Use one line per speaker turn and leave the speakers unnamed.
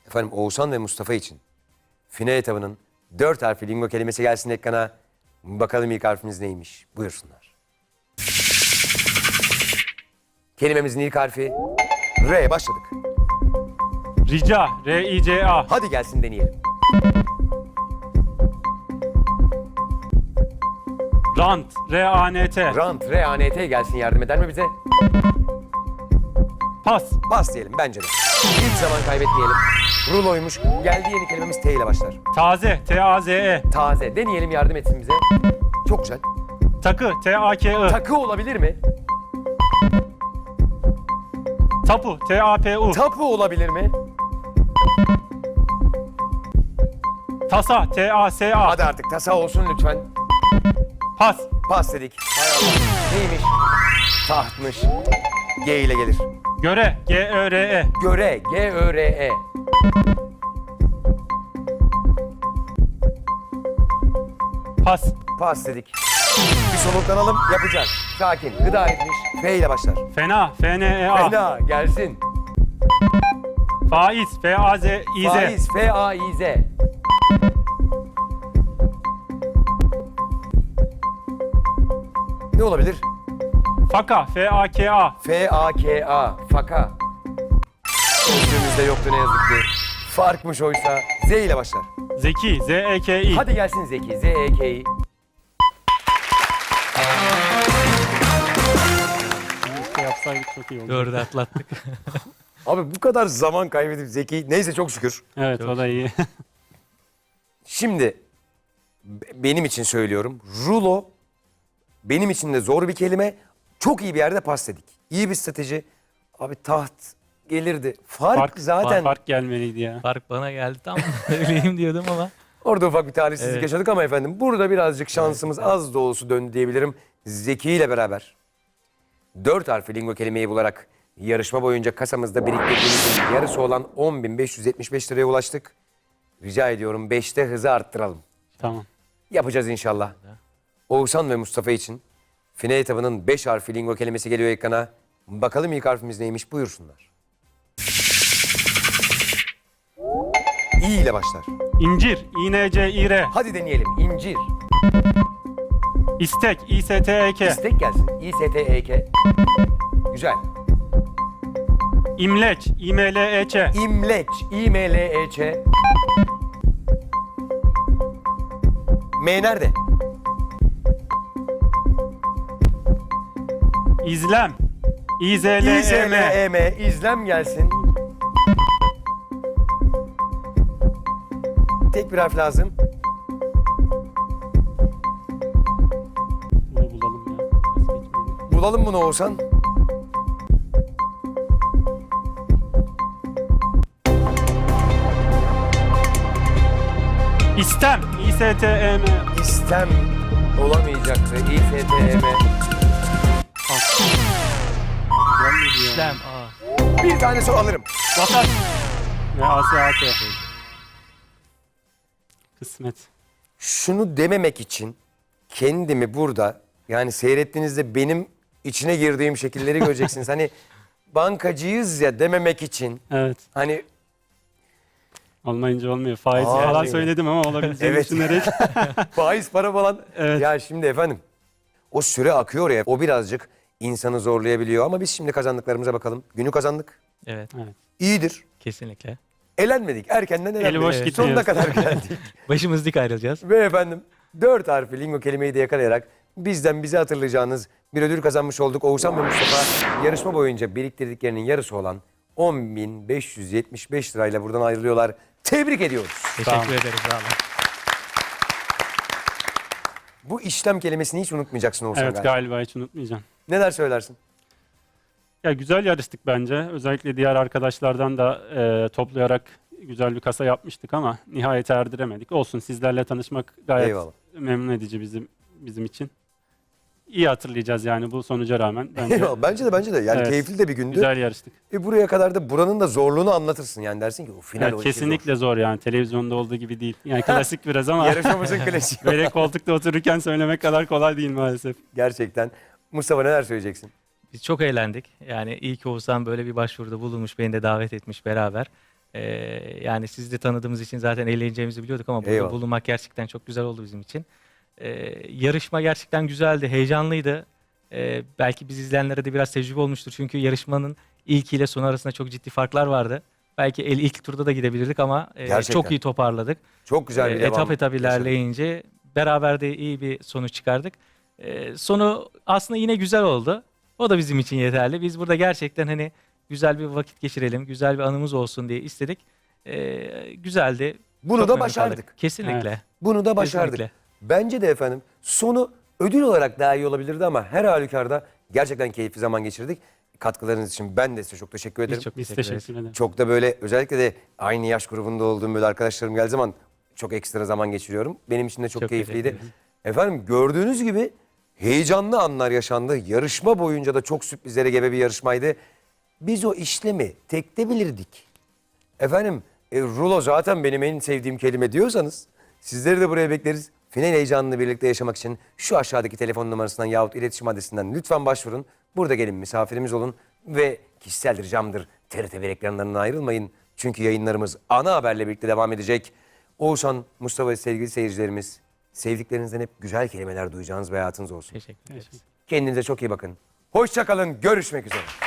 Efendim Oğuzhan ve Mustafa için final etabının 4 harfli lingo kelimesi gelsin ekrana. Bakalım ilk harfimiz neymiş? Buyursunlar. Kelimemizin ilk harfi R. Başladık.
Rica, R-I-C-A.
Hadi gelsin deneyelim.
Rant, R-A-N-T.
Rant, R-A-N-T gelsin, yardım eder mi bize?
Pas,
Pas diyelim bence de. Hiç zaman kaybetmeyelim. Ruloymuş. Geldi yeni kelimemiz T ile başlar.
taze, T-A-Z-E.
Taze. Deneyelim, yardım etsin bize. Çok güzel.
Takı, T-A-K-I.
Takı olabilir mi?
Tapu, T-A-P-U.
Tapu olabilir mi?
Tasa, T-A-S-A.
Hadi artık tasa olsun lütfen.
Pas,
Pas dedik. Hay Allah. Neymiş? Tahtmış. G ile gelir.
göre, G-Ö-R-E.
Göre. G-Ö-R-E.
Pas,
Pas dedik. Bir soluklanalım, yapacağız. Sakin. Gıda etmiş. F ile başlar.
fena, F-N-E-A.
Fena. Gelsin.
Faiz, F-A-Z-İ-Z.
Faiz. F-A-İ-Z. Ne olabilir?
Faka, F-A-K-A.
F-A-K-A. Faka. Sözlüğümüzde yoktu ne yazık ki. Farkmış oysa. Z ile başlar.
Zeki, Z-E-K-İ.
Hadi gelsin Zeki. Z-E-K-İ.
Keşke yapsaydık çok iyi olurdu.
Dördü atlattık.
Abi bu kadar zaman kaybedip Zeki. Neyse çok şükür.
Evet, o da iyi.
Şimdi benim için söylüyorum. Rulo benim için de zor bir kelime. Çok iyi bir yerde pas dedik. İyi bir strateji. Abi taht gelirdi. Fark zaten.
Fark gelmeliydi ya.
Fark bana geldi, tam öyleyim diyordum ama.
Orada ufak bir talihsizlik
Evet.
yaşadık ama efendim burada birazcık şansımız az da olsa döndü diyebilirim. Zeki ile beraber 4 harfli lingo kelimeyi bularak yarışma boyunca kasamızda biriktirdiğimizin yarısı olan 10.575 liraya ulaştık. Rica ediyorum 5'te hızı arttıralım.
Tamam.
Yapacağız inşallah. Oğuzhan ve Mustafa için final etabının 5 harfli lingo kelimesi geliyor ekrana. Bakalım ilk harfimiz neymiş, buyursunlar. İ ile başlar.
İncir, İ-N-C-İ-R.
Hadi deneyelim. İncir.
İstek, İ-S-T-E-K.
İstek gelsin. İ-S-T-E-K. Güzel.
İmleç, İ-M-L-E-Ç.
İmleç. İ-M-L-E-Ç. M nerede?
İzlem, İ-Z-L-E-M.
İ-Z-L-E-M. İzlem gelsin. Tek bir harf lazım.
Bunu bulalım ya. Nasıl geçmedi?
Bulalım bunu Oğuzhan.
İstem, İ-S-T-E-M.
İstem olamayacaktı. İ-S-T-E-M.
Gelmedi ya.
İşlem. Aa.
Bir tane soru alırım.
Vasat. Ve A-S-A-T. Kısmet.
Şunu dememek için kendimi burada, yani seyrettiğinizde benim içine girdiğim şekilleri göreceksiniz. Hani bankacıyız ya dememek için.
Evet.
Hani
Olmayınca olmuyor. Faiz
Aa,
falan
değil mi?
söyledim ama olabileceğini
Evet.
düşünerek.
faiz para falan.
Evet.
Ya şimdi efendim o süre akıyor ya, o birazcık insanı zorlayabiliyor. Ama biz şimdi kazandıklarımıza bakalım. Günü kazandık.
Evet,
Evet.
İyidir.
kesinlikle.
Elenmedik. Erkenden elenmedik.
boş
Sonuna
gitmiyoruz.
kadar geldik.
Başımız dik ayrılacağız.
Ve efendim 4 harfli lingo kelimeyi de yakalayarak bizden bize hatırlayacağınız bir ödül kazanmış olduk. Oğuzhan ve Mustafa yarışma boyunca biriktirdiklerinin yarısı olan 10.575 lirayla buradan ayrılıyorlar. Tebrik ediyoruz.
Teşekkür
Tamam.
ederiz. Sağ olun.
Bu işlem kelimesini hiç unutmayacaksın Oğuzhan
Evet,
galiba.
galiba hiç unutmayacağım.
Neler söylersin?
Ya güzel yarıştık bence. Özellikle diğer arkadaşlardan da toplayarak güzel bir kasa yapmıştık ama nihayete erdiremedik. Olsun, sizlerle tanışmak gayet
Eyvallah.
memnun edici bizim için. İyi hatırlayacağız yani bu sonuca rağmen. Bence
Eyvallah. Bence de. Yani
Evet.
keyifli de bir gündü.
güzel yarıştık.
Buraya kadar da buranın da zorluğunu anlatırsın. Yani dersin ki o final
Evet,
o işi
kesinlikle zor yani. Televizyonda olduğu gibi değil. Yani klasik biraz ama
Yarışmamızın klasiği.
böyle koltukta otururken söylemek kadar kolay değil maalesef.
Gerçekten. Mustafa neler söyleyeceksin?
Biz çok eğlendik. Yani iyi ki Oğuzhan böyle bir başvuruda bulunmuş, beni de davet etmiş beraber. Yani sizi de tanıdığımız için zaten eğleneceğimizi biliyorduk ama burada
Eyvallah.
bulunmak gerçekten çok güzel oldu bizim için. Yarışma gerçekten güzeldi, heyecanlıydı. Belki biz izleyenlere de biraz tecrübe olmuştur. Çünkü yarışmanın ilk ile sonu arasında çok ciddi farklar vardı. Belki ilk turda da gidebilirdik ama
Gerçekten.
çok iyi toparladık.
Çok güzel bir devam.
Etap ilerleyince beraber de iyi bir sonuç çıkardık. Sonu aslında yine güzel oldu. O da bizim için yeterli. Biz burada gerçekten hani güzel bir vakit geçirelim, güzel bir anımız olsun diye istedik. Güzeldi.
Bunu
Çok
da
memnun
başardık.
kaldık. Kesinlikle.
Evet.
Bunu da başardık.
Kesinlikle.
Bence de efendim sonu ödül olarak daha iyi olabilirdi ama her halükarda gerçekten keyifli zaman geçirdik. Katkılarınız için ben de size çok teşekkür ederim.
Biz çok
Biz
teşekkür ederiz.
teşekkür ederiz.
Çok da böyle özellikle de aynı yaş grubunda olduğum böyle arkadaşlarım geldiği zaman çok ekstra zaman geçiriyorum. Benim için de çok
Çok
keyifliydi.
teşekkür ederiz.
Efendim gördüğünüz gibi heyecanlı anlar yaşandı. Yarışma boyunca da çok sürprizlere gebe bir yarışmaydı. Biz o işlemi tekte bilirdik. Efendim rulo zaten benim en sevdiğim kelime diyorsanız sizleri de buraya bekleriz. Final heyecanını birlikte yaşamak için şu aşağıdaki telefon numarasından yahut iletişim adresinden lütfen başvurun. Burada gelin misafirimiz olun ve kişisel ricamdır TRT1 ekranlarından ayrılmayın. Çünkü yayınlarımız ana haberle birlikte devam edecek. Oğuzhan, Mustafa ve sevgili seyircilerimiz sevdiklerinizden hep güzel kelimeler duyacağınız bir hayatınız olsun.
Teşekkür ederiz.
Teşekkür.
Kendinize çok iyi bakın. Hoşça kalın, görüşmek üzere.